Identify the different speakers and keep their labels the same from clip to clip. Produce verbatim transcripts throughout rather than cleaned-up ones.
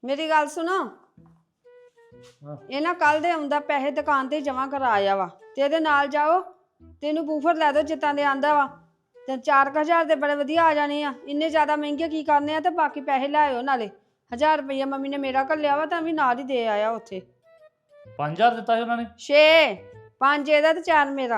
Speaker 1: ਮੇਰੀ ਗੱਲ ਸੁਣੋ। ਇਹ ਨਾ ਕੱਲ ਦੇ ਆਉਂਦਾ ਪੈਸੇ ਦੁਕਾਨ ਤੇ ਜਮਾ ਕਰਾ ਆਇਆ ਵਾ ਤੇ ਇਹਦੇ ਨਾਲ ਜਾਓ ਤੇ ਇਹਨੂੰ ਬੂਫਰ ਲੈ ਦੋ ਜਿੱਤਾਂ ਦੇ ਆਂਦਾ ਵਾ ਤੇ ਚਾਰ ਕੁ ਹਜ਼ਾਰ ਦੇ ਬੜੇ ਵਧੀਆ ਆ ਜਾਣੇ ਆ। ਇੰਨੇ ਜ਼ਿਆਦਾ ਮਹਿੰਗੇ ਕੀ ਕਰਨੇ ਆ ਤੇ ਬਾਕੀ ਪੈਸੇ ਲੈ ਆਇਓ ਨਾਲੇ। ਹਜ਼ਾਰ ਰੁਪਈਆ ਮੰਮੀ ਨੇ ਮੇਰਾ ਘੱਲਿਆ ਵਾ ਤਾਂ ਵੀ ਨਾਲ ਹੀ ਦੇ ਆਇਆ ਉੱਥੇ।
Speaker 2: ਪੰਜ ਹਜ਼ਾਰ ਦਿੱਤਾ ਸੀ ਉਹਨਾਂ ਨੇ?
Speaker 1: ਛੇ ਪੰਜ ਇਹਦਾ ਤੇ ਚਾਰ ਮੇਰਾ।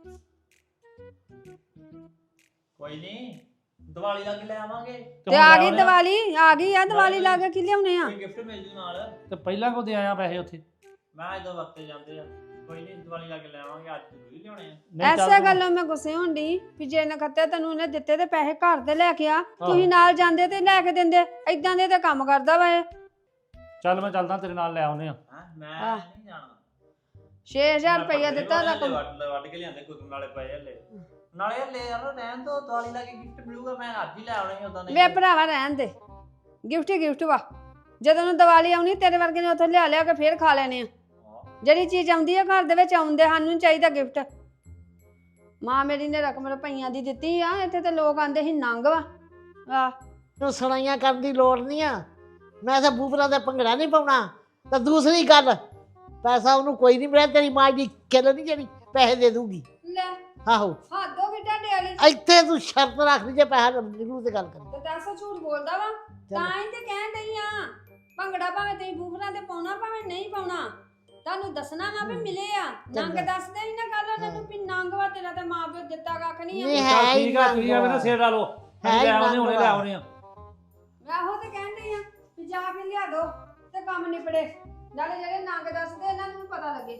Speaker 3: ਕੋਈ ਨਹੀਂ ਦੀਵਾਲੀ ਲਾ ਕੇ ਲੈ ਆਵਾਂਗੇ।
Speaker 1: ਤੇ ਆ ਗਈ ਦੀਵਾਲੀ ਆ ਗਈ ਆ ਦੀਵਾਲੀ ਲਾ ਕੇ ਕੀ ਲਿਆਉਣੇ ਆ?
Speaker 3: ਕੋਈ ਗਿਫਟ ਮਿਲ ਜੂ ਨਾਲ।
Speaker 2: ਤੇ ਪਹਿਲਾਂ ਕੋ ਦੇ ਆਇਆ ਪੈਸੇ ਉੱਥੇ?
Speaker 3: ਮੈਂ ਜਦੋਂ ਵਕਤੇ ਜਾਂਦੇ ਆ ਕੋਈ ਨਹੀਂ ਦੀਵਾਲੀ ਲਾ ਕੇ ਲੈ ਆਵਾਂਗੇ। ਅੱਜ ਜ਼ਰੂਰੀ ਲਿਆਉਣੇ ਆ।
Speaker 2: ਨਹੀਂ ਚੱਲ
Speaker 1: ਐਸੇ
Speaker 2: ਤੂੰ-
Speaker 1: ਗੱਲੋਂ ਮੈਂ ਗੁੱਸੇ ਹੁੰਦੀ ਵੀ ਜੇ ਨਖੱਤੇ ਤੈਨੂੰ ਉਹਨੇ ਦਿੱਤੇ ਤੇ ਪੈਸੇ ਘਰ ਦੇ ਲੈ ਕੇ ਆ, ਤੁਸੀਂ ਨਾਲ ਜਾਂਦੇ ਤੇ ਲੈ ਕੇ ਦਿੰਦੇ। ਏਦਾਂ ਦੇ ਤੇ ਕੰਮ ਕਰਦਾ ਵਾ ਇਹ।
Speaker 2: ਚੱਲ ਮੈਂ ਚੱਲਦਾ ਤੇਰੇ ਨਾਲ ਲੈ ਆਉਨੇ ਆ।
Speaker 3: ਹਾਂ ਮੈਂ ਨਹੀਂ ਜਾਣਾ।
Speaker 1: ਛੇ ਹਜ਼ਾਰ ਰੁਪਈਆ ਦਿੱਤਾ ਉਹਦਾ ਕੰਮ।
Speaker 3: ਵੱਢ ਵੱਢ ਕੇ ਲਿਆਂਦੇ ਕੋਈ ਨਾਲੇ ਪਏ ਹਲੇ ਨਾਲੇ ਹਲੇ ਯਾਰ ਰਹਿਣ ਤੋਂ ਦੀਵਾਲੀ ਲਾ ਕੇ ਗਿਫਟ ਮਿਲੂਗਾ। ਮੈਂ ਅੱਜ ਹੀ ਲੈ ਆਉਣੇ ਉਦਾਂ ਨਹੀਂ।
Speaker 1: ਵੇ ਭਰਾਵਾ ਰਹਿਣ ਦੇ, ਗਿਫਟ ਹੀ ਗਿਫਟ ਵਾ। ਜਦੋਂ ਨੂੰ ਦੀਵਾਲੀ ਆਉਣੀ ਤੇਰੇ ਵਰਗੇ ਨੇ ਉੱਥੋਂ ਲਿਆ ਲਿਆ ਕੇ ਫੇਰ ਖਾ ਲੈਣੇ ਆ। ਜਿਹੜੀ ਚੀਜ਼ ਆਉਂਦੀ ਆ ਘਰ ਦੇ ਵਿੱਚ ਆਉਂਦੇ ਸਾਨੂੰ ਨੀ ਚਾਹੀਦਾ ਗਿਫਟ। ਮਾਂ ਮੇਰੀ ਨੇ ਰਕਮ ਰੁਪਈਆਂ ਦੀ ਦਿੱਤੀ ਆ। ਇੱਥੇ ਤੇ ਲੋਕ ਆਂਦੇ ਸੀ ਨੰਗ ਵਾ। ਆਹ
Speaker 4: ਨੂੰ ਸੁਣਾਈਆਂ ਕਰਨ ਦੀ ਲੋੜ ਨਹੀਂ ਆ। ਮੈਂ ਤਾਂ ਬੂਫਰਾਂ ਦਾ ਭੰਗੜਾ ਨਹੀਂ ਪਾਉਣਾ। ਤਾਂ ਦੂਸਰੀ ਗੱਲ, ਪੈਸਾ ਉਹਨੂੰ ਕੋਈ ਨਹੀਂ ਮਿਲਿਆ। ਤੇਰੀ ਮਾਂ ਦੀ ਕਿੱਲ ਨਹੀਂ ਜਿਹੜੀ ਪੈਸੇ ਦੇ ਦੂਗੀ।
Speaker 1: ਲੈ
Speaker 4: ਆਹੋ
Speaker 1: ਹੱਦੋਂ ਵੀ ਢਾਡੇ ਵਾਲੀ।
Speaker 4: ਇੱਥੇ ਤੂੰ ਸ਼ਰਤ ਰੱਖ ਲਈ ਜੇ ਪੈਸਾ ਨਿਕਲੂ ਤੇ ਗੱਲ ਕਰੀ।
Speaker 1: ਤੇ ਦੱਸ ਝੂਠ ਬੋਲਦਾ ਵਾ? ਤਾਂ ਹੀ ਤੇ ਕਹਿਣ ਡਈ ਆ ਭੰਗੜਾ ਭਾਵੇਂ ਤੁਸੀਂ ਬੂਫਰਾਂ ਤੇ ਪਾਉਣਾ ਭਾਵੇਂ ਨਹੀਂ ਪਾਉਣਾ, ਤੁਹਾਨੂੰ ਦੱਸਣਾ ਵਾ ਵੀ ਮਿਲੇ ਆ। ਨੰਗ ਦੱਸਦੇ ਹੀ ਨਾ ਗੱਲ ਉਹਨਾਂ ਨੂੰ ਵੀ ਨੰਗ ਵਾ ਤੇਰਾ ਤੇ ਮਾਂ ਪਿਓ ਦਿੱਤਾ ਕੱਖ ਨਹੀਂ ਆ।
Speaker 4: ਨਹੀਂ
Speaker 2: ਚੱਲ
Speaker 4: ਹੈ
Speaker 2: ਠੀਕ ਆ, ਤੁਸੀਂ ਐਵੇਂ ਨਾ ਸਿਰ ਲਾ ਲਓ। ਅਸੀਂ ਲੈ ਆਉਨੇ ਹੁਣੇ ਲੈ ਆਉਨੇ ਆ।
Speaker 1: ਮੈਂ ਉਹ ਤੇ ਕਹਿਣ ਡਈ ਆ ਵੀ ਜਾ ਕੇ ਲਿਆ ਦੋ ਤੇ ਕੰਮ ਨਿਪੜੇ। ਨਾਲੇ ਜਿਹੜੇ ਨੰਗ ਦੱਸਦੇ ਇਹਨਾਂ ਨੂੰ ਵੀ ਪਤਾ ਲੱਗੇ।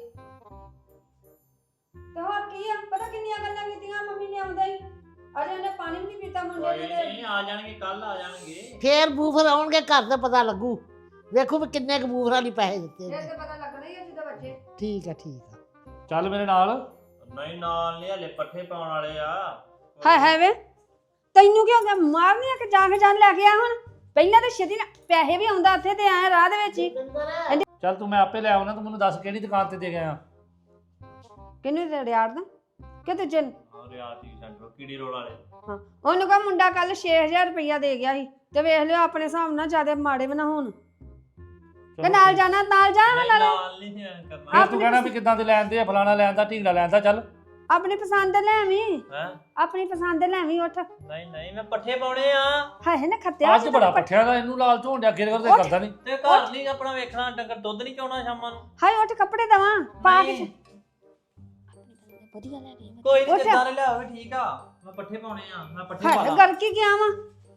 Speaker 1: ਤੇ ਹੋਰ ਕੀ ਆ, ਪਤਾ ਕਿੰਨੀਆਂ ਗੱਲਾਂ ਕੀਤੀਆਂ ਮੰਮੀ ਨੇ ਆਉਂਦਾ ਹੀ। ਅਜੇ ਉਹਨੇ ਪਾਣੀ ਵੀ ਨਹੀਂ ਪੀਤਾ ਮੁੰਡੇ
Speaker 3: ਕੋਈ
Speaker 1: ਨੇ।
Speaker 3: ਨਹੀਂ ਆ ਜਾਣਗੇ ਕੱਲ ਆ ਜਾਣਗੇ।
Speaker 4: ਫੇਰ ਬੂਫਰ ਆਉਣਗੇ ਘਰ ਤੇ ਪਤਾ ਲੱਗੂ। ਵੇਖੋ ਵੀ ਕਿੰਨੇ ਕੁ ਬੂਫਰਾਂ ਲਈ ਪੈਸੇ ਦਿੱਤੇ
Speaker 1: ਫਿਰ
Speaker 4: ਨੇ।
Speaker 1: ਤੇ ਪਤਾ ਲੱਗਣਾ ਹੀ ਆ ਜਦੋਂ ਬੱਚੇ।
Speaker 4: ਠੀਕ ਆ ਠੀਕ ਆ।
Speaker 2: ਚੱਲ ਮੇਰੇ ਨਾਲ।
Speaker 3: ਨਹੀਂ ਨਾਲ ਨਹੀਂ ਹਲੇ ਪੱਠੇ ਪਾਉਣ ਵਾਲੇ ਆ।
Speaker 1: ਹਾਏ ਹਾਏ ਵੇ ਤੈਨੂੰ ਕੀ ਹੋ ਗਿਆ? ਮਾਰਨੀ ਆ ਕਿ ਜਾ ਕੇ ਜਾਨ ਲੈ ਕੇ ਆ ਹੁਣ? ਪਹਿਲਾਂ ਤਾਂ ਛੇਤੀ ਨਾਲ ਪੈਸੇ ਵੀ ਆਉਂਦਾ ਉੱਥੇ ਤੇ ਆਏ ਰਾਹ ਦੇ ਵਿੱਚ ਹੀ।
Speaker 2: ਚੱਲ ਤੂੰ ਮੈਂ ਆਪੇ ਲੈ ਆਉਣਾ। ਤੂੰ ਮੈਨੂੰ ਦੱਸ ਕਿਹੜੀ ਦੁਕਾਨ ਤੇ ਦੇ ਗਿਆ?
Speaker 1: ਕਿਹਨੂੰ ਤੇ ਰਿਆੜ ਦਾ ਕਿ ਤੇ ਜਨ
Speaker 3: ਰਿਆਤੀ ਸੈਂਟਰ ਕੀੜੀ ਰੋਡ ਵਾਲੇ।
Speaker 1: ਹਾਂ ਉਹਨੂੰ ਕਹ ਮੁੰਡਾ ਕੱਲ ਛੇ ਹਜ਼ਾਰ ਰੁਪਈਆ ਦੇ ਗਿਆ ਸੀ ਤੇ ਵੇਖ ਲਿਓ ਆਪਣੇ ਹਿਸਾਬ ਨਾਲ ਜਿਆਦਾ ਮਾੜੇ ਵੀ ਨਾ ਹੋਣ। ਕਿ ਨਾਲ ਜਾਣਾ ਨਾਲ ਜਾ
Speaker 3: ਨਹੀਂ
Speaker 1: ਨਾਲੇ
Speaker 3: ਨਾਲ ਨਹੀਂ ਕਰਨਾ।
Speaker 2: ਫਿਰ ਤੂੰ ਕਹਿਣਾ ਵੀ ਕਿੱਦਾਂ ਦੇ ਲੈਂਦੇ ਆ, ਫਲਾਣਾ ਲੈਂਦਾ, ਢੀਂਗੜਾ ਲੈਂਦਾ। ਚੱਲ
Speaker 1: ਆਪਣੀ ਪਸੰਦ ਦੇ ਲੈਵੀਂ।
Speaker 3: ਹੈ
Speaker 1: ਆਪਣੀ ਪਸੰਦ ਦੇ ਲੈਵੀਂ। ਉੱਠ
Speaker 3: ਨਹੀਂ ਨਹੀਂ ਮੈਂ ਪੱਠੇ ਪਾਉਣੇ ਆ।
Speaker 1: ਹਾਏ ਨਾ ਖੱਤਿਆ
Speaker 2: ਅੱਜ ਬੜਾ ਪੱਠਿਆਂ ਦਾ ਇਹਨੂੰ ਲਾਲ ਝੋਣ ਡਿਆ। ਗਿਰ ਕਰਦੇ ਕਰਦਾ ਨਹੀਂ।
Speaker 3: ਤੇ ਘਰ ਨਹੀਂ ਆਪਣਾ ਵੇਖਣਾ। ਡੰਗਰ ਦੁੱਧ ਨਹੀਂ ਚੋਣਾ ਸ਼ਾਮਾਂ ਨੂੰ।
Speaker 1: ਹਾਏ ਉੱਠ ਕੱਪੜੇ ਦਵਾਂ ਪਾ ਕੇ।
Speaker 3: ਨਹੀਂ।
Speaker 1: ਵਧੀਆ ਲੈ ਗਈ
Speaker 3: ਕੋਈ ਨਹੀਂ
Speaker 1: ਉੱਠ।
Speaker 3: ਜਿੱਦਾਂ ਦੇ ਲਿਆਓ ਵੀ ਠੀਕ ਆ। ਮੈਂ ਪੱਠੇ ਪਾਉਣੇ ਆ। ਮੈਂ ਪੱਠੇ ਪਾ
Speaker 1: ਹਾਏ
Speaker 3: ਲਾਂ।
Speaker 1: ਗਰ ਕੀ ਗਿਆ ਵਾ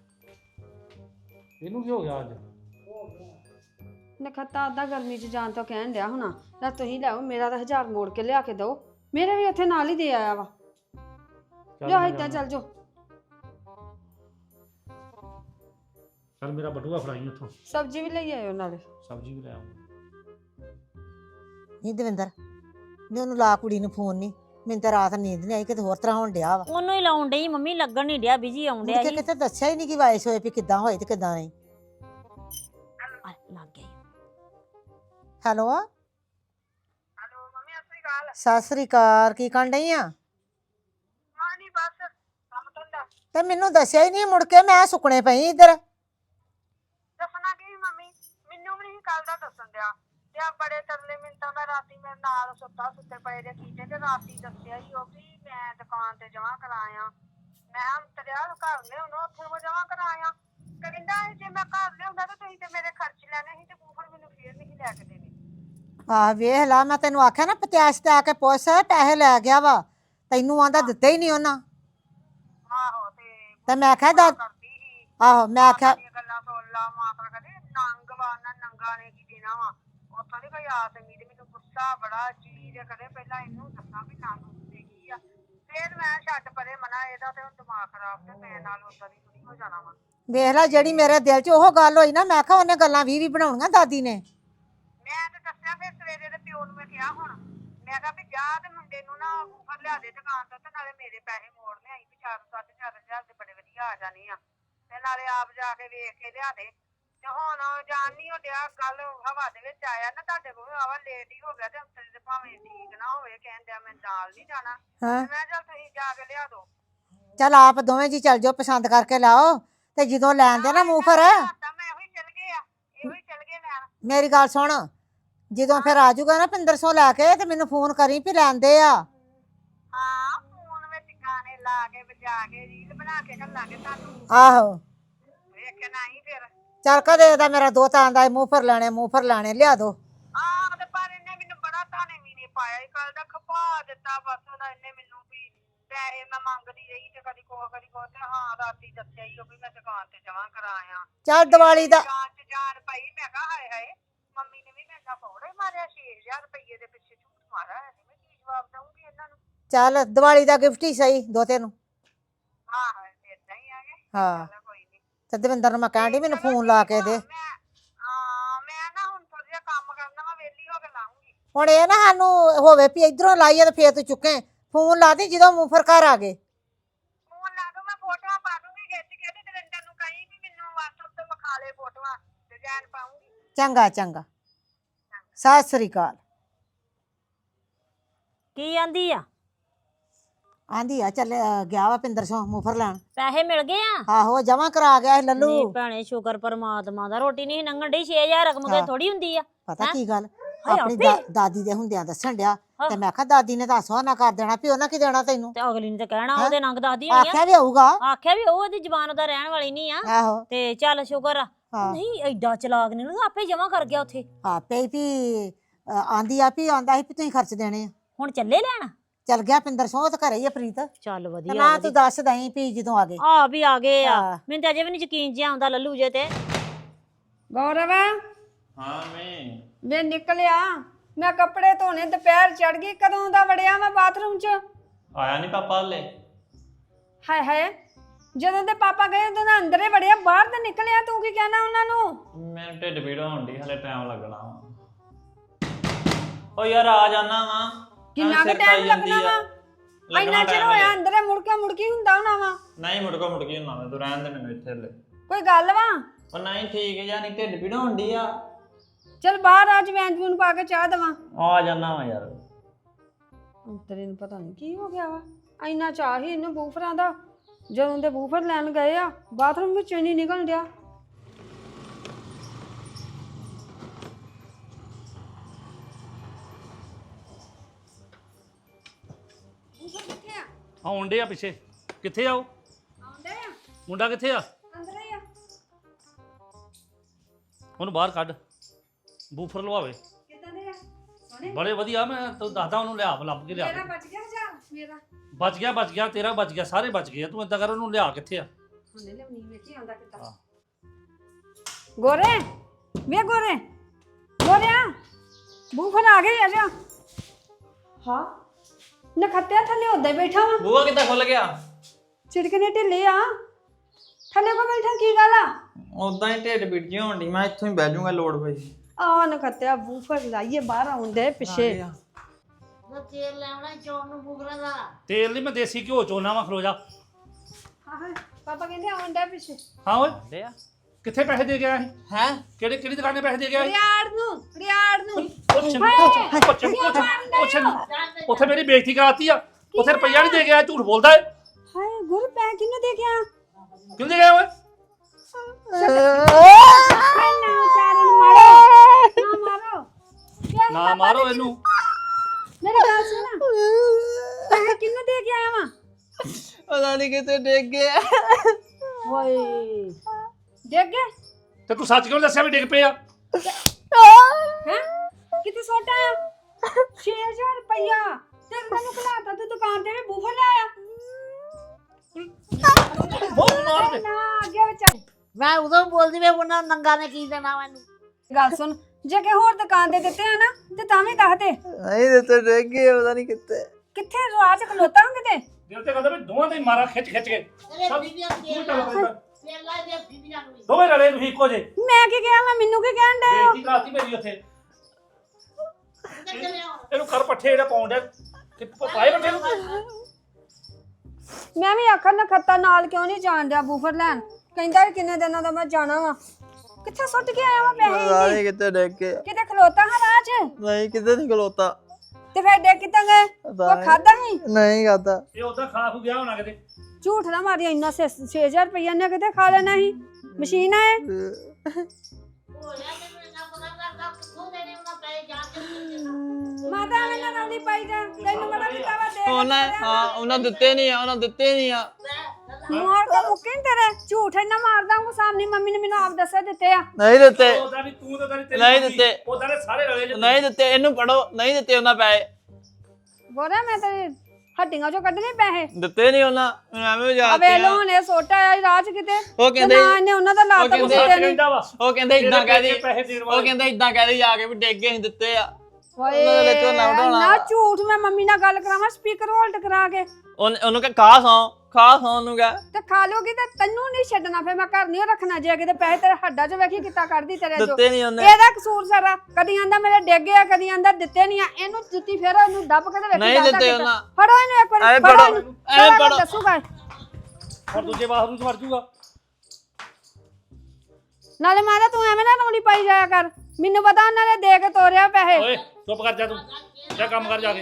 Speaker 2: ਇਹਨੂੰ ਕੀ ਹੋ ਗਿਆ ਅੱਜ?
Speaker 1: ਨਖੱਤਾ ਅੱਧਾ ਗਰਮੀ ਚ ਜਾਣ ਤੋਂ ਕਹਿਣ ਡਿਆ ਹੋਣਾ ਨਾ ਤੁਸੀਂ ਲਿਆਓ ਮੇਰਾ ਤਾਂ ਹਜ਼ਾਰ ਮੋੜ ਕੇ ਲਿਆ ਕੇ ਦਿਓ। ਮੇਰੇ ਵੀ ਉੱਥੇ ਨਾਲ ਹੀ ਦੇ ਆਇਆ ਵਾ। ਜਾ ਇੱਦਾਂ ਚੱਲ ਜੋ।
Speaker 2: ਚੱਲ ਮੇਰਾ ਬਟੂਆ ਫੜਾਈ ਉੱਥੋਂ।
Speaker 1: ਸਬਜ਼ੀ ਵੀ ਲਈ ਆਇਓ ਨਾਲੇ।
Speaker 2: ਸਬਜ਼ੀ ਵੀ ਲੈ ਆਉਂ।
Speaker 5: ਨਹੀਂ ਦਵਿੰਦਰ ਨੇ ਉਹਨੂੰ ਲਾ ਕੁੜੀ ਨੂੰ ਫੋਨ। ਨਹੀਂ ਮੈਨੂੰ ਤਾਂ ਰਾਤ ਨੀਂਦ ਨਹੀਂ ਆਈ, ਕਿਤੇ ਹੋਰ ਤਰ੍ਹਾਂ ਹੋਣ ਡਿਆ ਵਾ।
Speaker 6: ਉਹਨੂੰ ਹੀ ਲਾਉਣ ਡਈ ਮੰਮੀ, ਲੱਗਣ ਨਹੀਂ ਡਿਆ, ਬਿਜੀ ਆਉਣ ਡਿਆ
Speaker 5: ਮੁੜ ਕੇ
Speaker 6: ਸੀ।
Speaker 5: ਕਿਤੇ ਦੱਸਿਆ ਹੀ ਨਹੀਂ ਕਿ ਵਾਇਸ ਹੋਏ ਵੀ ਕਿੱਦਾਂ ਹੋਏ ਤੇ ਕਿੱਦਾਂ ਨਹੀਂ।
Speaker 6: ਆ, ਲੱਗ ਗਿਆ ਈ।
Speaker 5: ਹੈਲੋ
Speaker 7: ਹੈਲੋ ਮੰਮੀ ਸਤਿ ਸ੍ਰੀ ਅਕਾਲ।
Speaker 5: ਸਤਿ ਸ੍ਰੀ ਅਕਾਲ। ਕੀ ਕਰਨ ਡਈ ਆ?
Speaker 7: ਹਾਂ ਨਹੀਂ ਬਸ ਕੰਮ ਧੰਦਾ।
Speaker 5: ਤੇ ਮੈਨੂੰ ਦੱਸਿਆ ਹੀ ਨਹੀਂ ਮੁੜ ਕੇ। ਮੈਂ ਸੁੱਕਣੇ ਪਈ ਇੱਧਰ।
Speaker 7: ਦੱਸਣਾ ਕੀ ਮੰਮੀ, ਮੈਨੂੰ ਵੀ ਨਹੀਂ ਕੱਲ ਦਾ ਦੱਸਣ ਦਿਆ ਤੇ ਆ ਬੜੇ ਤਰਲੇ ਮਿੰਟਾਂ ਦਾ ਰਾਤੀ ਮੇਰੇ ਨਾਲ ਸੁੱਤਾ ਸੁੱਤੇ ਪਏ ਦੇ ਕੀਤੇ ਤੇ ਰਾਤੀ ਦੱਸਿਆ ਹੀ ਉਹ ਵੀ ਮੈਂ ਦੁਕਾਨ ਤੇ ਜਮਾ ਕਰਾਇਆ। ਮੈਂ ਅੰਤਰਿਆ ਘਰ ਲਿਆਉਣਾ ਉੱਥੇ ਮੈਂ ਜਮਾ ਕਰਾਇਆ। ਕਹਿੰਦਾ ਜੇ ਮੈਂ ਘਰ ਲਿਆਉਂਦਾ ਤਾਂ ਤੁਸੀਂ ਤੇ ਮੇਰੇ ਖਰਚ ਲੈਣੇ ਸੀ ਤੇ ਬੂਫਰ ਮੈਨੂੰ ਫੇਰ ਨਹੀਂ ਲੈ ਕੇ ਦੇਣੇ।
Speaker 5: ਆਹ ਵੇਖ ਲਾ, ਮੈਂ ਤੈਨੂੰ ਆਖਿਆ ਨਾ ਪਤਿਆਸ ਤੇ ਆ ਕੇ ਪੁੱਛ, ਪੈਸੇ ਲੈ ਗਿਆ ਵਾ। ਤੈਨੂੰ ਆਂਦਾ ਦਿੱਤੇ ਹੀ ਨਹੀਂ ਉਹਨਾਂ।
Speaker 7: ਆਹੋ ਤੇ
Speaker 5: ਤੇ ਮੈਂ ਆਖਿਆ ਦਾ
Speaker 7: ਕਰਦੀ ਸੀ
Speaker 5: ਆਹੋ ਮੈਂ ਆਖਿਆ
Speaker 7: ਦੀਆਂ ਗੱਲਾਂ ਸੁਣ ਲਾ। ਮਾਤਾ ਕਹਿੰਦੇ ਨੰਗ ਵਾ ਨਾ ਨੰਗਾ ਨੇ ਕੀ ਦੇਣਾ ਵਾ। ਉੱਥੋਂ ਦੀ ਕੋਈ ਆਸ ਉਮੀਦ। ਮੈਨੂੰ ਗੁੱਸਾ ਬੜਾ ਚੀਜ਼ ਕਰੇ ਪਹਿਲਾਂ ਇਹਨੂੰ ਦੱਸਾਂ ਵੀ ਨੰਗ ਹੁੰਦੇ ਕੀ ਆ। ਫੇਰ ਮੈਂ ਛੱਡ ਪਰੇ ਮਨਾ ਇਹਦਾ ਤੇ ਹੁਣ ਦਿਮਾਗ ਖਰਾਬ ਤੇ ਮੈਂ ਨਾਲ ਉਦਾਂ ਦੀ ਥੋੜੀ ਹੋ ਜਾਣਾ ਵਾ।
Speaker 5: ਵੇਖ ਲਾ ਜਿਹੜੀ ਮੇਰੇ ਦਿਲ 'ਚ ਉਹ ਗੱਲ ਹੋਈ ਨਾ, ਮੈਂ ਆਖਿਆ ਉਹਨੇ ਗੱਲਾਂ ਵੀਹ ਵੀਹ ਬਣਾਉਣੀਆਂ ਦਾਦੀ ਨੇ।
Speaker 7: ਮੈਂ ਤੇ ਦੱਸਿਆ ਫਿਰ ਸਵੇਰੇ ਦੇ ਪਿਓ ਨੂੰ ਮੈਂ ਕਿਹਾ ਹੁਣ ਮੈਂ ਕਿਹਾ ਵੀ ਜਾ ਤੇ ਮੁੰਡੇ ਨੂੰ ਨਾ ਬੂਫਰ ਲਿਆ ਦੇ ਦੁਕਾਨ ਤੋਂ ਤੇ ਨਾਲੇ ਮੇਰੇ ਪੈਸੇ ਮੋੜ ਲਿਆਈ ਵੀ ਚਾਰ ਸਾਢੇ ਚਾਰ ਹਜ਼ਾਰ ਦੇ ਬੜੇ ਵਧੀਆ ਆ ਜਾਣੇ ਆ ਤੇ ਨਾਲੇ ਆਪ ਜਾ ਕੇ ਵੇਖ ਕੇ ਲਿਆ ਦੇ। ਤੇ ਹੁਣ ਜਾਣ ਨਹੀਂ ਡਿਆ। ਕੱਲ ਹਵਾ ਦੇ ਵਿੱਚ ਆਇਆ ਨਾ ਤੁਹਾਡੇ ਕੋਲ ਆਵਾ ਲੇਟ ਹੀ ਹੋ ਗਿਆ ਤੇ ਅੰਤਰੇ ਦੇ ਭਾਵੇਂ ਠੀਕ ਨਾ ਹੋਵੇ ਕਹਿਣ ਡਿਆ ਮੈਂ ਨਾਲ ਨਹੀਂ ਜਾਣਾ।
Speaker 5: ਹਾਂ
Speaker 7: ਮੈਂ ਚੱਲ ਤੁਸੀਂ ਜਾ ਕੇ ਲਿਆ ਦੋ।
Speaker 5: ਚੱਲ ਆਪ ਦੋਵੇਂ ਜੀ ਚੱਲ ਜਾਓ, ਪਸੰਦ ਕਰਕੇ ਲਾਓ। ਤੇ ਜਦੋਂ ਲੈਣ ਦੇ ਨਾ ਮੂੰਹ ਪਰ
Speaker 7: ਮੈਂ ਇਹੋ ਹੀ ਚਲ ਗਏ ਆ ਇਹੋ ਹੀ ਚਲ ਗਏ।
Speaker 5: ਮੇਰੀ ਗੱਲ ਸੁਣ, ਜਦੋਂ ਫਿਰ ਆ ਜਾਊਗਾ ਨਾ ਪੰਦਰਾਂ ਸੌ ਲੈ ਕੇ ਤੇ ਮੈਨੂੰ ਫੋਨ ਕਰੀ ਵੀ ਲੈਂਦੇ ਆ।
Speaker 7: ਹਾਂ ਫੋਨ ਵਿੱਚ ਗਾਣੇ ਲਾ ਕੇ ਵਜਾ ਕੇ ਰੀਲ ਬਣਾ ਕੇ ਘੱਲਾਂਗੇ ਤੁਹਾਨੂੰ।
Speaker 5: ਆਹੋ
Speaker 7: ਵੇਖਣਾ ਹੀ ਫਿਰ।
Speaker 5: ਚੱਲ ਕਦੇ ਦਾ ਮੇਰਾ ਦੋਤਾ ਆਂਦਾ ਮੂੰਹ ਫਰ ਲੈਣੇ ਮੂੰਹ ਫਰ ਲੈਣੇ ਲਿਆ ਦੋ।
Speaker 7: ਆਹ ਤੇ ਪਰ ਇਹਨੇ ਮੈਨੂੰ ਬੜਾ ਤਾਨੇ ਵੀ ਨਹੀਂ ਪਾਇਆ, ਇਹ ਕੱਲ ਦਾ ਖਪਾ ਦਿੱਤਾ ਬਸ ਉਹਦਾ ਇਹਨੇ ਮੈਨੂੰ ਵੀ ਪੈਸੇ ਮੈਂ ਮੰਗਦੀ ਰਹੀ ਤੇ ਕਦੀ ਕੋ ਕਦੀ ਕੋ ਤੇ ਹਾਂ ਰਾਤੀ ਦੱਸਿਆ ਹੀ ਉਹ ਵੀ ਮੈਂ ਦੁਕਾਨ ਤੇ ਜਮਾ ਕਰਾਇਆ।
Speaker 5: ਚੱਲ ਦੀਵਾਲੀ ਦਾ
Speaker 7: ਦੁਕਾਨ ਤੇ ਜਾਣ ਪਈ ਮੈਂ ਕਿਹਾ ਹਾਏ ਹਾਏ ਮੰਮੀ ਨੇ ਵੀ ਮੇਰੇ ਨਾਲ ਪੌੜੇ ਮਾਰਿਆ ਛੇ ਹਜ਼ਾਰ ਰੁਪਏ ਦੇ ਪਿੱਛੇ ਝੂਠ ਮਾਰਿਆ ਹੈ, ਮੈਂ ਕੀ ਜਵਾਬ ਦਊਂਗੀ ਇਹਨਾਂ ਨੂੰ।
Speaker 5: ਚੱਲ ਦੀਵਾਲੀ ਦਾ ਗਿਫਟ ਹੀ ਸਹੀ ਦੋਤੇ ਨੂੰ।
Speaker 7: ਹਾਂ ਹਾਂ ਏਦਾਂ ਹੀ ਆ ਗਏ।
Speaker 5: ਹਾਂ
Speaker 7: ਚਲੋ ਕੋਈ ਨਹੀਂ।
Speaker 5: ਤੇ ਦਵਿੰਦਰ ਨੂੰ ਮੈਂ ਕਹਿਣ ਡਈ ਮੈਨੂੰ ਫੋਨ ਲਾ ਕੇ ਦੇ।
Speaker 7: ਮੈਂ ਹਾਂ ਮੈਂ ਨਾ ਹੁਣ ਥੋੜਾ ਜਿਹਾ ਕੰਮ ਕਰਨਾ ਵਾ, ਵਿਹਲੀ ਹੋ ਕੇ ਲਾਉਂਗੀ।
Speaker 5: ਹੁਣ ਇਹ ਨਾ ਸਾਨੂੰ ਹੋਵੇ ਵੀ ਇਧਰੋਂ ਲਾਈਏ ਤੇ ਫੇਰ ਤੂੰ ਚੁੱਕੇ ਫੋਨ ਲਾ ਦੀ ਜਦੋਂ ਮੂੰਹ ਫਰ ਘਰ ਆ ਗਏ।
Speaker 7: ਫੋਨ ਲਾ ਦੂੰ, ਮੈਂ ਫੋਟੋਆਂ ਪਾ ਦੂੰਗੀ ਖਿੱਚ ਕੇ ਤੇ ਦਵਿੰਦਰ ਨੂੰ ਕਹੀਂ ਵੀ ਮੈਨੂੰ WhatsApp ਤੇ ਵਿਖਾ ਲੈ ਫੋਟੋਆਂ, ਡਿਜ਼ਾਈਨ ਪਾਉਂਗੀ।
Speaker 5: ਚੰਗਾ ਚੰਗਾ ਸਤਿ ਸ੍ਰੀ ਅਕਾਲ।
Speaker 6: ਕੀ ਆਂਦੀ ਆ?
Speaker 5: ਆਂਦੀ ਆ ਚੱਲ ਅਹ ਗਿਆ ਵਾ ਪਿੰਦਰ ਸੋਂ ਮੁਫਰ ਲੈਣ।
Speaker 6: ਪੈਸੇ ਮਿਲ ਗਏ ਆ?
Speaker 5: ਆਹੋ ਜਮਾ ਕਰਾ ਗਿਆ ਸੀ
Speaker 6: ਨਹੀਂ
Speaker 5: ਲੱਲੂ।
Speaker 6: ਭੈਣੇ ਸ਼ੁਕਰ ਪਰਮਾਤਮਾ ਦਾ, ਰੋਟੀ ਨਹੀਂ ਲੰਘਣ ਡਈ। ਛੇ ਹਜ਼ਾਰ ਰਕਮ ਤੇ ਥੋੜੀ ਹੁੰਦੀ ਆ।
Speaker 5: ਪਤਾ
Speaker 6: ਹੈਂ?
Speaker 5: ਕੀ ਗੱਲ
Speaker 6: ਹਾਏ
Speaker 5: ਆਪਣੀ
Speaker 6: ਆਪੇ?
Speaker 5: ਦਾ- ਦਾਦੀ ਦੇ ਹੁੰਦਿਆਂ ਦੱਸਣ ਡਿਆ ਤੇ ਮੈਂ ਕਿਹਾ ਦਾਦੀ ਨੇ ਤਾਂ ਸੋਹ ਨਾ ਕਰ ਦੇਣਾ ਵੀ ਉਹਨਾਂ ਕੀ ਦੇਣਾ ਤੈਨੂੰ।
Speaker 6: ਤੇ ਅਗਲੀ ਨੇ ਤਾਂ ਕਹਿਣਾ
Speaker 5: ਹੈਂ?
Speaker 6: ਉਹਦੇ ਨੰਗ ਦੱਸਦੀ ਹੋਣੀ ਆ।
Speaker 5: ਆਖਿਆ ਵੀ ਆਊਗਾ।
Speaker 6: ਆਖਿਆ ਵੀ ਉਹ ਉਹਦੀ ਜ਼ਬਾਨ ਉਹਦਾ ਰਹਿਣ ਵਾਲੀ ਨਹੀਂ ਆ।
Speaker 5: ਆਹੋ
Speaker 6: ਤੇ ਚੱਲ ਸ਼ੁਕਰ ਆ।
Speaker 5: ਹਾਂ
Speaker 6: ਨਹੀਂ ਐਡਾ ਚਲਾਕ ਨਹੀਂ ਲੱਗਾ, ਆਪੇ ਜਮਾ ਕਰ ਗਿਆ ਉੱਥੇ।
Speaker 5: ਆਪੇ ਹੀ ਵੀ ਅਹ ਆਂਦੀ ਆ ਵੀ ਆਂਦਾ ਸੀ ਵੀ ਤੁਸੀਂ ਖਰਚ ਦੇਣੇ ਆ।
Speaker 6: ਹੁਣ ਚੱਲੇ ਲੈਣ?
Speaker 5: ਚੱਲ ਗਿਆ ਪਿੰਦਰ ਸੋਹ ਤੇ ਘਰੇ ਹੀ ਆ ਪ੍ਰੀਤ।
Speaker 6: ਚੱਲ
Speaker 5: ਤੇ
Speaker 6: ਵਧੀਆ
Speaker 5: ਨਾ ਤੂੰ ਦੱਸ ਦਈ ਵੀ ਜਦੋਂ ਆ ਗਏ।
Speaker 6: ਆ ਵੀ ਆ ਗਏ ਆ।
Speaker 5: ਹਾਂ।
Speaker 6: ਮੈਨੂੰ ਤਾਂ ਅਜੇ ਵੀ ਨਹੀਂ ਯਕੀਨ ਜਿਹਾ ਆਉਂਦਾ ਲੱਲੂ ਜੇ ਤੇ।
Speaker 1: ਗੌਰਵ
Speaker 3: ਹਾਂ ਮੈਂ
Speaker 1: ਵੇ ਨਿਕਲਿਆ, ਮੈਂ ਕੱਪੜੇ ਧੋਣੇ ਦੁਪਹਿਰ ਚੜ ਗਈ, ਕਦੋਂ ਦਾ ਵੜਿਆ ਮੈਂ ਬਾਥਰੂਮ 'ਚ।
Speaker 3: ਆਇਆ ਨਹੀਂ ਪਾਪਾ ਹਲੇ?
Speaker 1: ਹਾਏ ਹਾਏ ਜਦੋਂ ਦੇ ਪਾਪਾ ਗਏ ਉਦੋਂ ਦਾ ਅੰਦਰੇ ਵੜਿਆ, ਬਾਹਰ ਤਾਂ ਨਿਕਲਿਆ। ਤੂੰ ਕੀ ਕਹਿਣਾ ਉਹਨਾਂ ਨੂੰ?
Speaker 3: ਮੈਨੂੰ ਢਿੱਡ ਪੀੜ ਹੋਣ ਡਈ, ਹਲੇ ਟਾਈਮ ਲੱਗਣਾ ਵਾ। ਓ ਯਾਰ ਆ ਜਾਣਾ ਵਾ।
Speaker 1: ਕਿੰਨਾ ਕੁ ਟਾਈਮ ਲੱਗਣਾ ਵਾ? ਇੰਨਾ ਚਿਰ ਹੋਇਆ ਅੰਦਰੇ, ਮੁੜ ਕੇ ਮੁੜ ਕੇ ਹੁੰਦਾ ਹੋਣਾ ਵਾ।
Speaker 3: ਨਹੀਂ ਮੁੜਕੋ ਮੁੜਕੀ ਹੁੰਦਾ ਮੈਂ, ਤੂੰ ਰਹਿਣ ਦੇ ਮੈਨੂੰ ਇੱਥੇ ਹਲੇ।
Speaker 1: ਕੋਈ ਗੱਲ ਵਾ?
Speaker 3: ਉਹ ਨਹੀਂ ਠੀਕ ਜਾਂ ਨਹੀਂ, ਢਿੱਡ ਪੀੜ ਹੋਣ ਡਈ ਆ।
Speaker 1: ਚਲ ਬਾਹਰ ਆ, ਜਵੈਨ ਜਵੂਨ ਪਾ ਕੇ ਚਾਹ ਦੇਵਾਂ।
Speaker 3: ਆ ਜਾਣਾ ਵਾ ਯਾਰ।
Speaker 1: ਤੇਰੇ ਨੂੰ ਪਤਾ ਨਹੀਂ ਕੀ ਹੋ ਗਿਆ ਵਾ, ਇੰਨਾ ਚਾਹ ਹੀ ਇਹਨੂੰ ਬੂਫਰਾਂ ਦਾ। ਜਦੋਂ ਦੇ ਬੂਫਰ ਲੈਣ ਗਏ ਆ ਬਾਥਰੂਮ ਵਿੱਚੋਂ ਹੀ ਨਹੀਂ ਨਿਕਲ ਡਿਆ। ਬੂਫਰ ਕਿੱਥੇ ਆ?
Speaker 2: ਆਉਣ ਡੇ ਆ ਪਿੱਛੇ। ਕਿੱਥੇ ਆਓ?
Speaker 1: ਆਉਂਦੇ ਆ
Speaker 2: ਮੁੰਡਾ ਕਿੱਥੇ ਆ?
Speaker 1: ਅੰਦਰ ਹੀ ਆ।
Speaker 2: ਉਹਨੂੰ ਬਾਹਰ ਕੱਢ, ਬੂਫਰ ਲਵਾਵੇ।
Speaker 1: ਕਿੱਦਾਂ ਦੇ ਆ? ਸੋਹਣੇ?
Speaker 2: ਬੜੇ ਵਧੀਆ, ਮੈਂ ਤੈਨੂੰ ਦੱਸਦਾ, ਉਹਨੂੰ ਲਿਆ ਲੱਭ ਕੇ ਲਿਆ।
Speaker 1: ਮੇਰਾ ਬਚ ਗਿਆ ਹਜ਼ਾਰ ਮੇਰਾ।
Speaker 2: ਬਚ ਗਿਆ ਬਚ ਗਿਆ, ਤੇਰਾ ਬਚ ਗਿਆ, ਸਾਰੇ ਬਚ ਗਏ ਆ। ਤੂੰ ਏਦਾਂ ਕਰ, ਉਹਨੂੰ ਲਿਆ ਕਿੱਥੇ ਆ?
Speaker 1: ਹੁਣੇ ਲਿਆਉਣੀ, ਵੇਖੀ ਆਉਂਦਾ ਕਿੱਦਾਂ।
Speaker 2: ਹਾਂ।
Speaker 1: ਗੋਰੇ ਵੇ ਗੋਰੇ ਗੋਰਿਆ ਬੂਫਰ ਆ ਗਈ, ਆ ਜਾ। ਹਾਂ ਨਖੱਤਿਆ ਥੱਲੇ ਉੱਦਾਂ ਹੀ ਬੈਠਾ ਵਾ।
Speaker 3: ਬੂਹਾ ਕਿੱਦਾਂ ਖੁੱਲ ਗਿਆ?
Speaker 1: ਛਿੜਕਨੇ ਢਿੱਲੇ ਆ, ਥੱਲੇ ਕੋ ਬੈਠਾ, ਕੀ ਗੱਲ ਆ?
Speaker 3: ਉਦਾਂ ਹੀ ਢਿੱਡ ਪੀੜ ਜੀ ਹੋਣ ਡਈ, ਮੈਂ ਇੱਥੋਂ ਹੀ ਬਹਿ ਜਾਊਂਗਾ ਲੋੜ ਪਈ।
Speaker 1: ਆ ਨਖੱਤਿਆ ਬੂਫਰ ਲਾਈਏ, ਬਾਹਰ ਆਉਂਦੇ ਪਿੱਛੇ।
Speaker 4: ਮੈਂ ਤੇਲ ਲੈਣਾ ਚੌਣ ਨੂੰ ਬੁਗਰਾ ਦਾ।
Speaker 2: ਤੇਲ ਨਹੀਂ, ਮੈਂ ਦੇਸੀ ਘਿਓ ਚੋਣਾ ਵਾ, ਖਲੋ ਜਾ।
Speaker 1: ਹਾਂ ਹਾਂ ਪਾਪਾ ਕਹਿੰਦੇ ਆਉਂਦਾ ਪਿੱਛੇ।
Speaker 2: ਹਾਂ ਓਏ,
Speaker 3: ਦੇ ਆ
Speaker 2: ਕਿੱਥੇ ਪੈਸੇ ਦੇ ਗਿਆ ਸੀ?
Speaker 3: ਹੈ
Speaker 2: ਕਿਹੜੇ ਕਿਹੜੀ ਦੁਕਾਨੇ ਪੈਸੇ ਦੇ ਗਿਆ ਸੀ?
Speaker 1: ਰਿਆੜ ਨੂੰ ਰਿਆੜ ਨੂੰ
Speaker 2: ਪੁੱਛ ਪੁੱਛ ਪੁੱਛ ਪੁੱਛ ਉੱਥੇ ਮੇਰੀ ਬੇਇੱਜ਼ਤੀ ਕਰਾਤੀ ਆ। ਉੱਥੇ ਰੁਪਈਆ ਨਹੀਂ ਦੇ ਗਿਆ, ਝੂਠ ਬੋਲਦਾ ਏ।
Speaker 1: ਹਾਏ ਗੁਰ ਪੈ ਕਿਹਨੂੰ ਦੇ ਗਿਆ?
Speaker 2: ਕਿਉਂ ਦੇ ਗਿਆ ਓਏ?
Speaker 1: ਨਾ ਚਾਰੇ ਨੂੰ ਮਾਰੋ, ਨਾ ਮਾਰੋ,
Speaker 2: ਨਾ ਮਾਰੋ ਇਹਨੂੰ।
Speaker 1: ਮੇਰੀ ਗੱਲ ਸੁਣ, ਪੈ ਕਿਹਨੂੰ ਦੇ ਕੇ ਆਇਆ ਵਾ?
Speaker 3: ਪਤਾ ਨਹੀਂ ਕਿਤੇ ਡਿੱਗ ਗਿਆ।
Speaker 1: ਓਏ ਦੇਖ ਗਏ
Speaker 2: ਤੇ ਤੂੰ ਸੱਚ ਕਿਉਂ ਦੱਸਿਆ ਵੀ ਡਿੱਗ ਪਿਆ?
Speaker 1: ਹੈ ਕਿਤੇ ਸੋਟਾ ਆ ਛੇ ਹਜ਼ਾਰ ਰੁਪਇਆ ਤੇ ਤੈਨੂੰ ਖਲਾਤਾ, ਤੂੰ ਦੁਕਾਨ ਤੇ ਵੀ ਬੂਫਰ ਲਾਇਆ।
Speaker 2: ਬਹੁਤ ਮਾਰ ਦੇ।
Speaker 1: ਨਾ ਅੱਗੇ ਵਿਚਾਰ
Speaker 4: ਮੈਂ ਉਦੋਂ ਬੋਲਦੀ ਵੇ ਉਹਨਾਂ ਨੰਗਾ ਨੇ ਕੀ ਦੇਣਾ ਮੈਨੂੰ।
Speaker 1: ਗੱਲ ਸੁਣ, ਜੇ ਕਿ ਹੋਰ ਦੁਕਾਨ ਤੇ ਦਿੱਤੇ ਆ ਨਾ ਤੇ ਤਾਂ ਵੀ ਦੱਸ ਦੇ।
Speaker 3: ਨਹੀਂ ਦਿੱਤੇ ਡਿੱਗ ਗਏ, ਪਤਾ ਨਹੀਂ ਕਿੱਥੇ।
Speaker 1: ਕਿੱਥੇ ਰਾਹ ਚ ਖਲੋਤਾ ਹਾਂ ਕਿਤੇ?
Speaker 2: ਦਿਲ ਤੇ ਕਹਿੰਦਾ ਵੀ ਦੋਵਾਂ ਦੇ ਮਾਰਾ ਖਿੱਚ ਖਿੱਚ ਕੇ ਸਭ
Speaker 4: ਬੀਬੀਆਂ
Speaker 2: ਤੂੰ ਚੱਲ ਅੰਦਰ।
Speaker 4: ਤੇਲ ਲਾ ਦੇ ਬੀਬੀਆਂ ਨੂੰ।
Speaker 2: ਦੋਵੇਂ ਰਲੇ ਤੁਸੀਂ ਇੱਕੋ ਜੇ।
Speaker 1: ਮੈਂ ਕੀ ਕਿਹਾ ਵਾ, ਮੈਨੂੰ ਕੀ ਕਹਿਣ ਡਏ ਹੋ?
Speaker 2: ਬੇਇੱਜ਼ਤੀ ਕਰਾਤੀ ਮੇਰੀ ਉੱਥੇ।
Speaker 4: ਕਿੱਥੇ ਚਲੇ ਆਉਣ?
Speaker 2: ਇਹਨੂੰ ਕਰ ਪੱਠੇ ਜਿਹੜਾ ਪਾਉਣ ਡਿਆ ਕਿ ਪਾਏ ਪੱਠੇ ਨੂੰ।
Speaker 1: ਮੈਂ ਵੀ ਆਖਰ ਨਾ ਖੱਤਾ ਨਾਲ ਕਿਉਂ ਨਹੀਂ ਜਾਣ ਡਿਆ ਬੂਫਰ ਲੈਣ? ਕਹਿੰਦਾ ਵੀ ਕਿੰਨੇ ਦਿਨਾਂ ਦਾ ਮੈਂ ਜਾਣਾ ਵਾ। ਕਿੱਥੇ ਸੁੱਟ ਕੇ ਆਇਆ ਵਾ ਪੈਸੇ?
Speaker 3: ਸਾਰੇ ਕਿਤੇ ਡਿੱਗ ਗਏ।
Speaker 1: ਕਿਤੇ ਖਲੋਤਾ ਹਾਂ ਰਾਹ ਚ
Speaker 3: ਨਹੀਂ ਕਿਤੇ ਨਹੀਂ ਖਲੋਤਾ।
Speaker 1: ਤੇ ਫਿਰ ਡੇ ਕਿੱਦਾਂ ਗਏ? ਉਹ ਖਾਦਾ ਹੀ
Speaker 3: ਨਹੀਂ ਖਾਦਾ।
Speaker 2: ਇਹ ਉਦਾਂ ਖਾ ਖੂ ਗਿਆ ਹੋਣਾ ਕਿਤੇ।
Speaker 1: ਝੂਠ ਨਾ ਮਾਰੀ, ਇੰਨਾ ਛੇ ਹਜ਼ਾਰ ਰੁਪਈਆ ਨੇ ਕਿਤੇ ਖਾ ਲੈਣਾ ਸੀ। ਮਸ਼ੀਨ ਆ ਇਹ।
Speaker 4: ਹੋਇਆ ਮੈਨੂੰ ਇੰਨਾ ਪਤਾ ਕਰ
Speaker 1: ਮਾਤਾ ਨੇ ਨਾ ਰੌਲੀ ਪਾਈ ਜਾ ਤੈਨੂੰ ਬੜਾ ਦਿੱਤਾ ਵਾ ਦੇ
Speaker 8: ਉਹਨਾਂ ਹਾਂ ਉਹਨਾਂ ਦਿੱਤੇ ਨਹੀਂ ਆ ਉਹਨਾਂ ਦਿੱਤੇ ਨਹੀਂ ਆ
Speaker 1: ਮੋਰ ਤਾਂ ਮੁੱਕੇ ਨੀ ਤੇਰੇ ਝੂਠ ਇੰਨਾ ਮਾਰਦਾ ਉਹ ਸਾਹਮਣੇ ਮੰਮੀ ਨੇ ਮੈਨੂੰ ਆਪ ਦੱਸਿਆ ਦਿੱਤੇ ਆ
Speaker 8: ਨਹੀਂ ਦਿੱਤੇ
Speaker 2: ਉਹਦਾ ਵੀ ਤੂੰ ਤਾਂ ਤੇਰੀ
Speaker 8: ਨਹੀਂ ਦਿੱਤੇ।
Speaker 2: ਉਹਦਾ ਨੇ ਸਾਰੇ ਰਲੇ ਜੇ
Speaker 8: ਨਹੀਂ ਦਿੱਤੇ ਇਹਨੂੰ ਪੜੋ ਨਹੀਂ ਦਿੱਤੇ ਉਹਨਾਂ ਪੈਸੇ
Speaker 1: ਬੋਰਾ ਮੈਂ ਤੇਰੀ ਹੱਡੀਆਂ ਚੋਂ ਕੱਢਣੇ ਪੈਸੇ
Speaker 8: ਦਿੱਤੇ ਨਹੀਂ ਉਹਨਾਂ ਮੈਨੂੰ ਐਵੇਂ ਯਾਦ
Speaker 1: ਅਵੇ ਲੋ ਹੁਣੇ ਸੋਟਾ ਆਇਆ ਰਾਹ ਚ ਕਿਤੇ
Speaker 8: ਉਹ
Speaker 1: ਤੇ
Speaker 8: ਕਹਿੰਦੇ
Speaker 1: ਨਾ ਇਹਨੇ ਉਹਨਾਂ ਦਾ ਲਾਤਾ
Speaker 8: ਉਹ
Speaker 1: ਕੁਛ
Speaker 8: ਕਹਿੰਦੇ
Speaker 1: ਦੇ ਨਹੀਂ
Speaker 2: ਕਹਿੰਦਾ ਵਾ
Speaker 8: ਉਹ ਕਹਿੰਦੇ ਇਦਾਂ ਕਹਿ ਦੀ
Speaker 2: ਪੈਸੇ ਦੇਣ
Speaker 8: ਉਹ
Speaker 2: ਵਾਲੇ
Speaker 8: ਕਹਿੰਦੇ ਇਦਾਂ ਕਹਿ ਦੀ ਜਾ ਕੇ ਵੀ ਡਿੱਗ ਗਏ ਅਸੀਂ ਦਿੱਤੇ ਆ
Speaker 1: ਓਏ
Speaker 8: ਉਹਨਾਂ ਦੇ ਵਿੱਚੋਂ ਨਾ ਉਡਾਉਣਾ।
Speaker 1: ਨਾ ਝੂਠ ਮੈਂ ਮੰਮੀ ਨਾਲ ਗੱਲ ਕਰਾਵਾਂ ਸਪੀਕਰ ਹੋਲਡ ਕਰਾ ਕੇ
Speaker 8: ਉਹਨੇ ਉਹਨੂੰ ਕਹ ਖਾ ਸੌ ਖਾ ਸੌ ਉਹਨੂੰ ਕਹ
Speaker 1: ਤੇ ਖਾ ਲੋਗੀ ਤੇ ਤੈਨੂੰ ਨਹੀਂ ਛੱਡਣਾ ਫੇ ਮੈਂ ਘਰ ਨਹੀਂ ਰੱਖਣਾ ਜੇ ਕਿਤੇ ਪੈਸੇ ਤੇਰੇ ਹੱਡਾਂ 'ਚ ਵੇਖੀ ਕਿੱਤਾ ਕੱਢਦੀ ਤੇਰੇ ਚੋਂ
Speaker 8: ਦਿੱਤੇ ਨਹੀਂ ਉਹਨੇ
Speaker 1: ਇਹਦਾ ਕਸੂਰ ਸਾਰਾ ਕਦੀ ਆਂਦਾ ਮੇਰੇ ਡਿੱਗ ਗਿਆ ਕਦੀ ਆਂਦਾ ਦਿੱਤੇ ਨਹੀਂ ਆ ਇਹਨੂੰ ਜੁੱਤੀ ਫੇਰ ਇਹਨੂੰ ਦੱਬ ਕੇ ਤੇ ਵੇਖੀ
Speaker 8: ਨਹੀਂ
Speaker 1: ਜਾਂਦਾ
Speaker 8: ਦਿੱਤੇ
Speaker 1: ਕਿੱਦਾਂ।
Speaker 8: ਉਹਨਾਂ।
Speaker 1: ਫੜੋ ਇਹਨੂੰ ਇੱਕ ਵਾਰੀ
Speaker 8: ਐਵੇਂ
Speaker 1: ਫੜੋ
Speaker 8: ਫੜੋ,
Speaker 1: ਇਹਨੂੰ
Speaker 8: ਐਵੇਂ
Speaker 1: ਸਾਰਾ ਕੁਝ
Speaker 8: ਫੜੋ।
Speaker 1: ਦੱਸੂਗਾ
Speaker 2: ਹੁਣ ਦੂਜੇ ਬਾਹਰ ਨੂੰ ਮਰ ਜੂਗਾ
Speaker 1: ਨਾਲੇ ਮਾਰਾ ਤੂੰ ਐਵੇਂ ਨਾ ਰੌਲੀ ਪਾਈ ਜਾਇਆ ਕਰ ਮੈਨੂੰ ਪਤਾ ਉਹਨਾਂ ਨੇ ਦੇ ਕੇ ਤੋਰਿਆ ਪੈਸੇ
Speaker 2: ਓਏ ਚੁੱਪ ਕਰ ਜਾ ਤੂੰ ਜਾ ਕੰਮ ਕਰ ਜਾ ਕੇ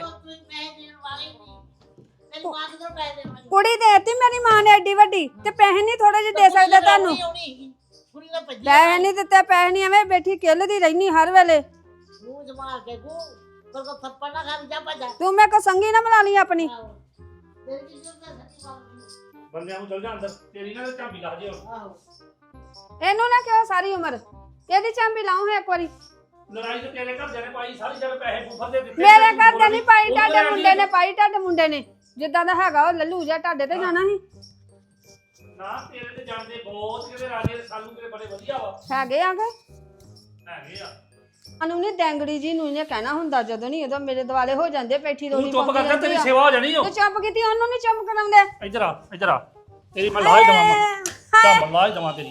Speaker 1: ਕੁੜੀ ਦੇਤੀ ਮੇਰੀ ਮਾਂ ਨੇ ਐਡੀ ਵੱਡੀ ਤੇ ਪੈਸੇ ਨਹੀਂ ਥੋੜੇ ਜਿਹੇ ਦੇ ਸਕਦੇ ਤੁਹਾਨੂੰ ਪੈਸੇ ਨਹੀਂ ਦਿੱਤੇ ਪੈਸੇ ਨਹੀਂ ਐਵੇਂ ਬੈਠੀ ਕਿੱਲਦੀ ਰਹਿਨੀ ਹਰ ਵੇਲੇ
Speaker 4: ਮੂੰਹ ਜਮਾਰ ਕੇ ਗੂ ਪਰ ਕੋ ਥੱਪੜ ਨਾ ਖਾ ਜਾ ਭਜਾ
Speaker 1: ਤੂੰ ਮੇਰੇ ਕੋ ਸੰਗੀ ਨਾ ਬਣਾ ਲਈ ਆਪਣੀ
Speaker 4: ਤੇਰੀ ਕੀ ਜ਼ਰੂਰਤ ਹੈ
Speaker 2: ਬੰਦਿਆਂ ਨੂੰ ਚਲ ਜਾ ਅੰਦਰ ਤੇਰੀ ਨਾ ਝਾਂਬੀ ਲਾ ਜੇ ਹੁਣ
Speaker 4: ਆਹੋ
Speaker 1: ਇਹਨੂੰ ਨਾ ਕਿਹਾ ਸਾਰੀ ਉਮਰ ਇਹਦੀ ਚਾਂਬੀ ਲਾਉਂ ਹੈ ਇੱਕ ਵਾਰੀ
Speaker 2: ਲੜਾਈ ਤੇ ਤੇਰੇ ਘਰ ਨੇ ਪਾਈ ਸਾਰੀ ਜਦ ਪੈਸੇ ਬੂਫਰ ਦੇ ਦਿੱਤੇ
Speaker 1: ਮੇਰੇ ਘਰ ਦੇ ਨਹੀਂ ਪਾਈ ਟਾਡੇ ਮੁੰਡੇ ਨੇ ਪਾਈ ਟਾਡੇ ਮੁੰਡੇ ਨੇ ਜਿੱਦਾਂ ਦਾ ਹੈਗਾ ਉਹ ਲੱਲੂ ਜਿਹਾ ਟਾਡੇ ਤੇ ਜਾਣਾ ਸੀ
Speaker 2: ਨਾ ਤੇਰੇ ਤੇ ਜਾਂਦੇ ਬਹੁਤ ਕਿਤੇ ਰਾਜੇ ਸਾਲੂ ਕਿਤੇ ਬੜੇ ਵਧੀਆ ਵਾ
Speaker 1: ਹੈਗੇ ਆ ਗਏ
Speaker 2: ਹੈਗੇ ਆ
Speaker 1: ਅਨੂ ਨਹੀਂ ਡੈਂਗੜੀ ਜੀ ਨੂੰ ਇਹਨੇ ਕਹਿਣਾ ਹੁੰਦਾ ਜਦੋਂ ਨਹੀਂ ਉਦੋਂ ਮੇਰੇ ਦਿਵਾਲੇ ਹੋ ਜਾਂਦੇ ਪੈਠੀ
Speaker 2: ਤੂੰ
Speaker 1: ਰੋਣੀ
Speaker 2: ਚੁੱਪ ਕਰ ਜਾ ਤੇਰੀ ਸੇਵਾ ਹੋ ਜਾਣੀ ਓ
Speaker 1: ਤੂੰ ਚੁੱਪ ਕੀਤੀ ਉਹਨੂੰ ਨਹੀਂ ਚੁੱਪ ਕਰਾਉਂਦੇ
Speaker 2: ਇੱਧਰ ਆ ਇੱਧਰ ਆ ਤੇਰੀ ਮੈਂ ਲਾਹ ਹੀ ਦਵਾਂ ਮੈਂ ਕੰਮ ਲਾਹ ਹੀ ਦਵਾਂ ਤੇਰੀ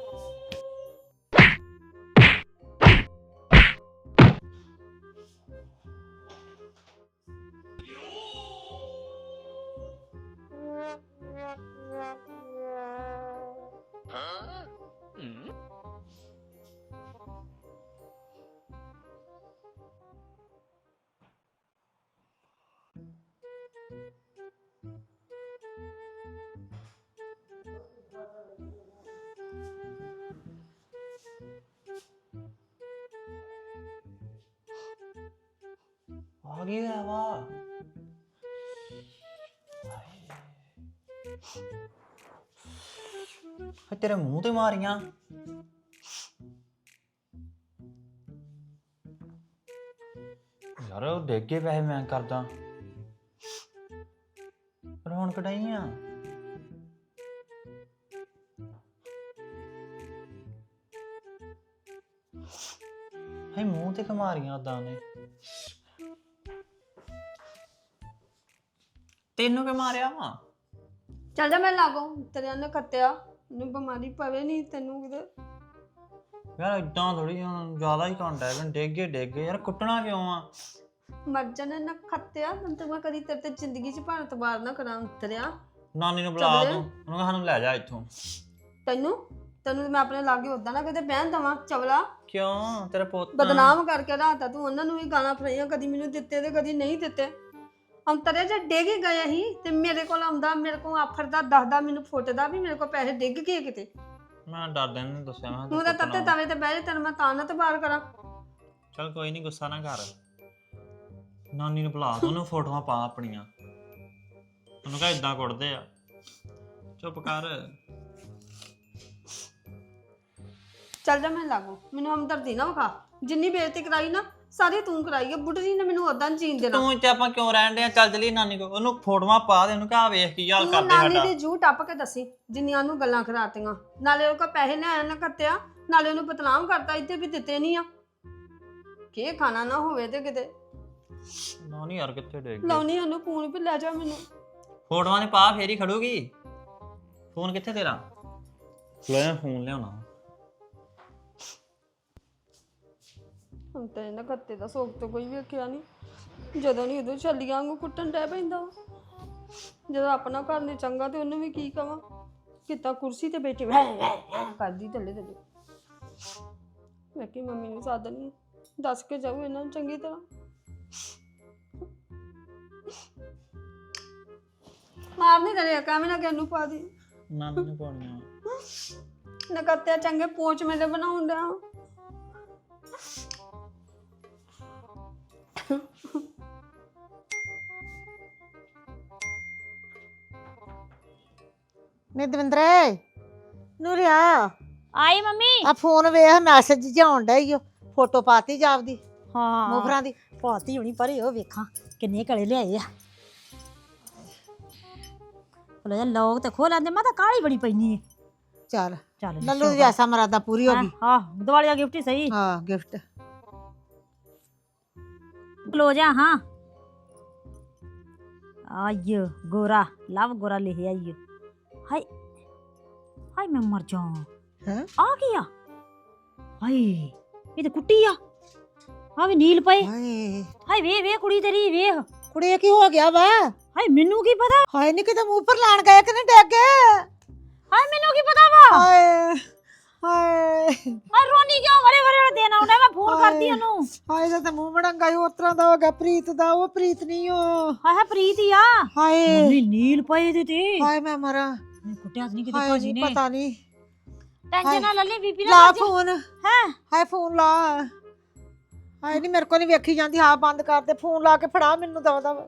Speaker 8: ਆ ਗਈ ਹੈ ਵਾ ਹਾਏ ਤੇਰੇ ਮੂੰਹ ਤੇ ਮਾਰੀਆਂ ਯਾਰ ਉਹ ਡਿੱਗ ਗਏ ਪੈਸੇ ਮੈਂ ਕਰਦਾ ਪਰ ਹੁਣ ਕਢਾਈ ਆ ਹਾਏ ਮੂੰਹ ਤੇ ਕਮਾਰੀਆਂ ਉਦਾਂ ਨੇ ਤੈਨੂੰ ਕਿ ਮਾਰਿਆ ਵਾ
Speaker 1: ਚੱਲ ਜਾ ਮੈਂ ਲਾਗੋ ਤੇਰੇ ਨੇ ਕੱਤਿਆ ਨੂੰ ਬਿਮਾਰੀ ਪਵੇ ਨਹੀਂ ਤੈਨੂੰ ਕਿਤੇ
Speaker 8: ਯਾਰ ਇਦਾਂ ਥੋੜੀ ਹੁਣ ਜ਼ਿਆਦਾ ਹੀ ਘੰਟਾ ਹੈ ਡਿੱਗ ਗਏ ਡਿੱਗ ਗਏ ਯਾਰ ਕੁੱਟਣਾ ਕਿਉਂ ਆ
Speaker 1: ਮਰ ਜਾਣਾ ਨਾ ਖੱਤਿਆ ਤੈਨੂੰ ਤਾਂ ਮੈਂ ਕਦੀ ਤੇਰੇ ਤੇ ਜ਼ਿੰਦਗੀ 'ਚ ਭਾਰਤ ਬਾਰ ਨਾ ਕਰਾਂ ਉਤਰਿਆ
Speaker 8: ਨਾਨੀ ਨੂੰ ਬੁਲਾ ਤੂੰ ਉਹਨੂੰ ਕਹ ਸਾਨੂੰ ਲੈ ਜਾ ਇੱਥੋਂ
Speaker 1: ਤੈਨੂੰ ਤੈਨੂੰ ਮੈਂ ਆਪਣੇ ਲਾਗੇ ਉਦਾਂ ਨਾ ਕਿਤੇ ਬਹਿਣ ਦਵਾਂ ਚਵਲਾ
Speaker 8: ਕਿਉਂ ਤੇਰਾ ਪੁੱਤ
Speaker 1: ਬਦਨਾਮ ਕਰਕੇ ਰਾਤਾ ਤੂੰ ਉਹਨਾਂ ਨੂੰ ਵੀ ਗਾਲਾਂ ਫਰਾਈਆਂ ਕਦੀ ਮੈਨੂੰ ਦਿੱਤੇ ਤੇ ਕਦੀ ਨਹੀਂ ਦਿੱਤੇ ਅੰਤਰੇ ਜੇ ਡਿੱਗ ਹੀ ਗਏ ਸੀ ਤੇ ਮੇਰੇ ਕੋਲ ਆਉਂਦਾ ਮੇਰੇ ਕੋਲ ਆਫਰਦਾ ਦੱਸਦਾ ਮੈਨੂੰ ਫੁੱਟਦਾ ਵੀ ਮੇਰੇ ਕੋਲ ਪੈਸੇ ਡਿੱਗ ਗਏ ਕਿਤੇ
Speaker 8: ਮੈਂ ਡਰਦੇ ਨਹੀਂ ਦੱਸਿਆ ਮੈਂ
Speaker 1: ਤੂੰ ਤਾਂ ਤੱਤੇ ਤਵੇ ਤੇ ਬਹਿ ਜਾ ਤੈਨੂੰ ਮੈਂ ਤਾਂ ਨਾ ਤੇ ਬਾਹਰ ਕਰਾਂ
Speaker 8: ਚਲ ਕੋਈ ਨਹੀਂ ਗੁੱਸਾ ਨਾ ਕਰ ਨਾਨੀ ਨੂੰ ਬੁਲਾ ਤੂੰ ਉਹਨੂੰ ਫੋਟੋਆਂ ਪਾ ਆਪਣੀਆਂ ਉਹਨੂੰ ਕਹ ਇਦਾਂ ਕੁੱਟਦੇ ਆ ਚੁੱਪ ਕਰ
Speaker 1: ਚੱਲ ਜਾ ਮੈਂ ਲਾਗੂ ਮੈਨੂੰ ਹਮਦਰਦੀ ਨਾ ਵਿਖਾ ਜਿੰਨੀ ਬੇਇੱਜ਼ਤੀ ਕਰਾਈ ਨਾ ਸਾਰੀ ਤੂੰ ਕਰਾਈ ਹੈ ਬੁੱਢੀ ਜੀ ਨੇ ਮੈਨੂੰ ਉਦਾਂ ਜੀਣ ਦੇਣਾ
Speaker 8: ਤੂੰ ਇੱਥੇ ਆਪਾਂ ਕਿਉਂ ਰਹਿਣ ਦੇ ਚੱਲ ਚਲੀ ਨਾਨੀ ਕੋ ਉਹਨੂੰ ਫੋਟੋਆਂ ਪਾ ਦੇ ਉਹਨੂੰ ਕਹ ਵੇਖ ਕੀ ਹਾਲ
Speaker 1: ਤੂੰ
Speaker 8: ਕਰਦੇ
Speaker 1: ਨਾਨੀ
Speaker 8: ਸਾਡਾ
Speaker 1: ਦੀ ਜੂ ਟੱਪ ਕੇ ਦੱਸੀ ਜਿੰਨੀਆਂ ਨੂੰ ਗੱਲਾਂ ਖਰਾਤੀਆਂ ਨਾਲੇ ਉਹ ਕੋ ਪੈਸੇ ਲੈ ਆਇਆ ਨਾ ਕੱਤਿਆ ਨਾਲੇ ਉਹਨੂੰ ਬਦਨਾਮ ਕਰਤਾ ਇੱਥੇ ਵੀ ਦਿੱਤੇ ਨਹੀਂ ਆ ਕੀ ਖਾਣਾ ਨਾ ਹੋਵੇ ਤੇ ਕਿਤੇ
Speaker 8: ਨਾ ਨਹੀਂ ਯਾਰ ਕਿੱਥੇ ਡਿੱਗ ਗਈ
Speaker 1: ਲਾਉਣੀ ਉਹਨੂੰ ਫੋਨ ਵੀ ਲੈ ਜਾ ਮੈਨੂੰ
Speaker 8: ਫੋਟੋਆਂ ਨੇ ਪਾ ਫੇਰ ਹੀ ਖੜੂਗੀ ਫੋਨ ਕਿੱਥੇ ਤੇਰਾ ਲੈ ਫੋਨ ਲਿਆਉਣਾ
Speaker 1: ਹੁਣ ਤੇ ਇਹਨਾਂ ਕੱਤੇ ਦਾ ਸੋਗ ਤੋਂ ਕੋਈ ਵੇਖਿਆ ਨਹੀਂ ਜਦੋਂ ਨਹੀਂ ਉਦੋਂ ਛੱਲੀਆਂ ਵਾਂਗੂ ਕੁੱਟਣ ਡੈ ਪੈਂਦਾ ਵਾ। ਜਦੋਂ ਆਪਣਾ ਘਰ ਨਹੀਂ ਚੰਗਾ ਤੇ ਉਹਨੂੰ ਵੀ ਕੀ ਕਵਾਂ ਕਿਤਾ ਕੁਰਸੀ ਤੇ ਬੈਠੀ ਵੈ ਵੈ ਵੈ ਕਰਦੀ ਥੱਲੇ ਥੱਲੇ ਮੈਂ ਕਿ ਮੰਮੀ ਨੂੰ ਸਾਧਨੀ ਦੱਸ ਕੇ ਜਾਊ ਇਹਨਾਂ ਨੂੰ ਚੰਗੀ ਤਰ੍ਹਾਂ ਮਾਰ ਨਹੀਂ ਕਰਿਆ ਕਾਵੇਂ ਨਾ ਕਿਹਨੂੰ ਪਾ ਦੀ
Speaker 8: ਨਾਨੀ ਨੂੰ ਪਾਉਣੀਆਂ
Speaker 1: ਨਕੱਤੇ ਚੰਗੇ ਪੋਚ ਮੇਰੇ ਬਣਾਉਣ ਡਿਆ
Speaker 5: ਨੀ ਦਵਿੰਦਰੇ ਨੂਰਿਆ
Speaker 6: ਆਈ ਮੰਮੀ
Speaker 5: ਆ ਫੋਨ ਵੇਖ ਮੈਸੇਜ ਜਾਉਣ ਡਿਆ ਈ ਓ ਫੋਟੋ ਪਾਤੀ ਜਾਪਦੀ
Speaker 6: ਹਾਂ
Speaker 5: ਮੋਫਰਾਂ ਦੀ
Speaker 6: ਪਾਤੀ ਹੋਣੀ ਪਰ ਉਹ ਵੇਖਾਂ ਕਿੰਨੇ ਕਲੇ ਲਿਆਏ ਆ ਲੈ ਲੋਕ ਤੇ ਖੋ ਲੈਂਦੇ ਮੈਂ ਤਾਂ ਕਾਲੀ ਬੜੀ ਪੈਣੀ ਹੈ
Speaker 5: ਚੱਲ
Speaker 6: ਚੱਲ ਜੀ,
Speaker 5: ਲੱਲੂ ਦੀ
Speaker 6: ਸ਼ੁਕਰ।
Speaker 5: ਐਸਾ ਮਰਾਦਾ ਪੂਰੀ ਹੋ ਗਈ
Speaker 6: ਹਾਂ ਦੀਵਾਲੀ ਦਾ ਗਿਫਟ ਹੀ ਸਹੀ
Speaker 5: ਹਾਂ ਗਿਫਟ
Speaker 6: ਕਲੋਜ ਆ ਹਾਂ ਆਇਓ ਗੋਰਾ ਲਵ ਗੋਰਾ ਲਿਖਿਆ ਆਇਓ ਹਾਏ ਹਾਏ ਮੈਂ ਮਰ ਜਾ
Speaker 5: ਹੈਂ?
Speaker 6: ਆ ਕੀ ਆ ਹਾਏ ਇਹ ਤੇ ਕੁੱਟੀ ਆ ਆ ਵੀ ਨੀਲ ਪਏ
Speaker 5: ਹਾਏ
Speaker 6: ਹਾਏ ਵੇ ਵੇ ਕੁੜੀ ਤੇਰੀ ਵੇਖ
Speaker 5: ਕੁੜੇ ਕੀ ਹੋ ਗਿਆ ਵਾ
Speaker 6: ਹਾਏ ਮੈਨੂੰ ਕੀ ਪਤਾ
Speaker 5: ਹਾਏ ਨੀ ਕਿਤੇ ਮੂੰਹ ਪਰ ਲਾਣ ਗਏ ਕਿ ਨਹੀਂ ਡਿੱਗ ਗਏ
Speaker 6: ਹਾਏ ਮੈਨੂੰ ਕੀ ਪਤਾ ਵਾ
Speaker 5: ਹਾਏ ਹਾਏ
Speaker 6: ਹਾਏ ਰੋਣੀ ਕਿਉਂ ਵਰੇ ਵਰੇ ਵਾਲਾ ਦਿਨ ਆਉਂਦਾ ਮੈਂ ਫੋਨ ਕਰਦੀ ਉਹਨੂੰ
Speaker 5: ਹਾਏ ਇਹਦਾ ਤਾਂ ਮੂੰਹ ਮੜੰਗਾ ਹੀ ਉਸ ਤਰ੍ਹਾਂ ਦਾ ਹੋ ਗਿਆ ਪ੍ਰੀਤ ਦਾ ਉਹ ਪ੍ਰੀਤ ਨਹੀਂ ਉਹ
Speaker 6: ਹਾਏ ਹਾਏ ਪ੍ਰੀਤ ਹੀ ਆ
Speaker 5: ਹਾਏ
Speaker 6: ਮੰਮੀ ਨੀਲ ਪਏ ਇਹਦੇ ਤੇ
Speaker 5: ਹਾਏ ਮੈਂ ਮਰਾਂ
Speaker 6: ਹਾਏ ਕੁੱਟਿਆ ਤਾਂ ਨਹੀਂ ਕਿਤੇ
Speaker 5: ਹਾਏ
Speaker 6: ਭਾਜੀ
Speaker 5: ਨੀ
Speaker 6: ਨੇ
Speaker 5: ਪਤਾ ਨਹੀਂ
Speaker 6: ਟੈਨਸ਼ਨ ਨਾ ਲੈ ਲਈ ਬੀਬੀ ਨਾ
Speaker 5: ਲਾ
Speaker 6: ਕਰ ਜੀ
Speaker 5: ਫੋਨ
Speaker 6: ਹੈ
Speaker 5: ਹਾਏ ਫੋਨ ਲਾ ਹਾਏ ਨਹੀਂ ਮੇਰੇ ਕੋਲ ਨਹੀਂ ਵੇਖੀ ਜਾਂਦੀ ਹਾਂ ਬੰਦ ਕਰ ਦੇ ਫੋਨ ਲਾ ਕੇ ਫੜਾ ਮੈਨੂੰ ਦਵਾ ਦਵਾ